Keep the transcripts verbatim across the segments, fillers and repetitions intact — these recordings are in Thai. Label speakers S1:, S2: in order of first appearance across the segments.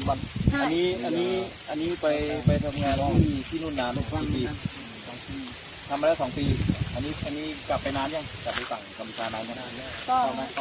S1: วัน อันนี้อันนี้อันนี้ไปไปทำงานที่ที่นู่นนานกี่ปีทำมาแล้วสองปีอันนี้อันนี้กลับไปนานยังกลับไปฝั่งกัมพูชานานนานแล้วก็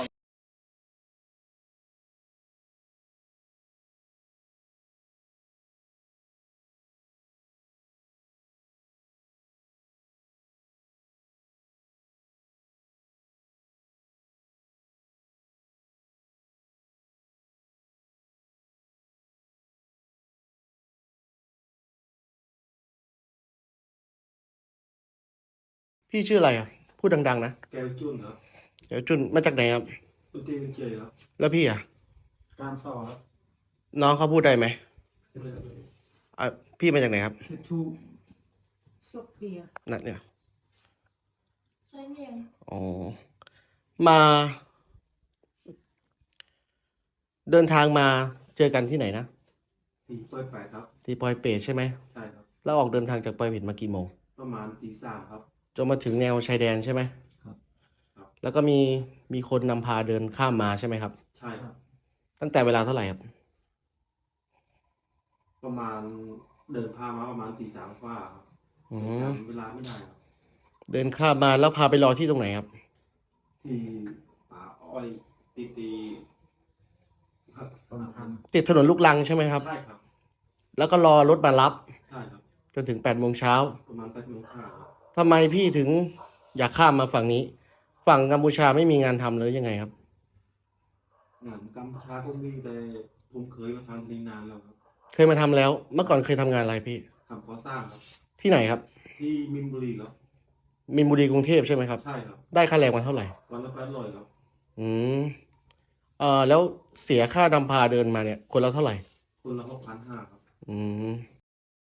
S2: พี่ชื่ออะไรอ่ะพูดดังๆนะ
S3: แก้วจุนครับ
S2: เดี๋ยวจุนมาจากไหนครับ
S3: ตุตีเป็นเจยครับ
S2: แล้วพี่อ่ะ
S3: การสอบครับ
S2: น้องเขาพูดได้ไหมอ่ะพี่มาจากไหนครับ
S3: ทู
S4: โซเฟีย
S2: นั่นเนี่ย
S4: ใช่เอง
S2: อ๋อมาเดินทางมาเจอกันที่ไหนนะ
S3: ที่ปอยไปครับ
S2: ที่ปอยเปตใช่ไหม
S3: ใช่ครับ
S2: แล้วออกเดินทางจากปอยเปตมากี่โมง
S3: ประมาณตีสามครับ
S2: จนมาถึงแนวชายแดนใช่ไหม
S3: ครับ
S2: แล้วก็มีมีคนนำพาเดินข้ามมาใช่ไหมครับ
S3: ใช่ครับ
S2: ตั้งแต่เวลาเท่าไหร่ครับ
S3: ประมาณเดินพามาประมาณตีสามกว่าครับจำเวลาไม่ได้ครับ
S2: เดินข้ามมาแล้วพาไปรอที่ตรงไหนครับ
S3: ที่ป่าอ้อยตีตีครับประมาณ
S2: ติดถนนลูกรังใช่ไหมครับ
S3: ใช่ครับ
S2: แล้วก็รอรถมารับ
S3: ใช่ครับ
S2: จนถึงแปดโมงเช้า
S3: ประมาณแปดโมงเช้า
S2: ทำไมพี่ถึงอยากข้ามมาฝั่งนี้ฝั่งกัมพูชาไม่มีงานทำเลยยังไงครับ
S3: งานกัมพูชาก็มีแต่ผมเคยมาทำที่นานแล้วครับ
S2: เคยมาทำแล้วเมื่อก่อนเคยทำงานอะไรพี่
S3: ทำก่อสร้างครับ
S2: ที่ไหนครับ
S3: ที่มินบุรีครับ
S2: มินบุรีกรุงเทพใช่ไหมครับ
S3: ใช่ครับ
S2: ได้ค่าแรงวันเท่าไหร่
S3: วันละแปดร้อยครับ
S2: อืมเอ่อแล้วเสียค่านำพาเดินมาเนี่ยคนละเท่าไหร่
S3: คนละหกพันห้าครับ
S2: อืม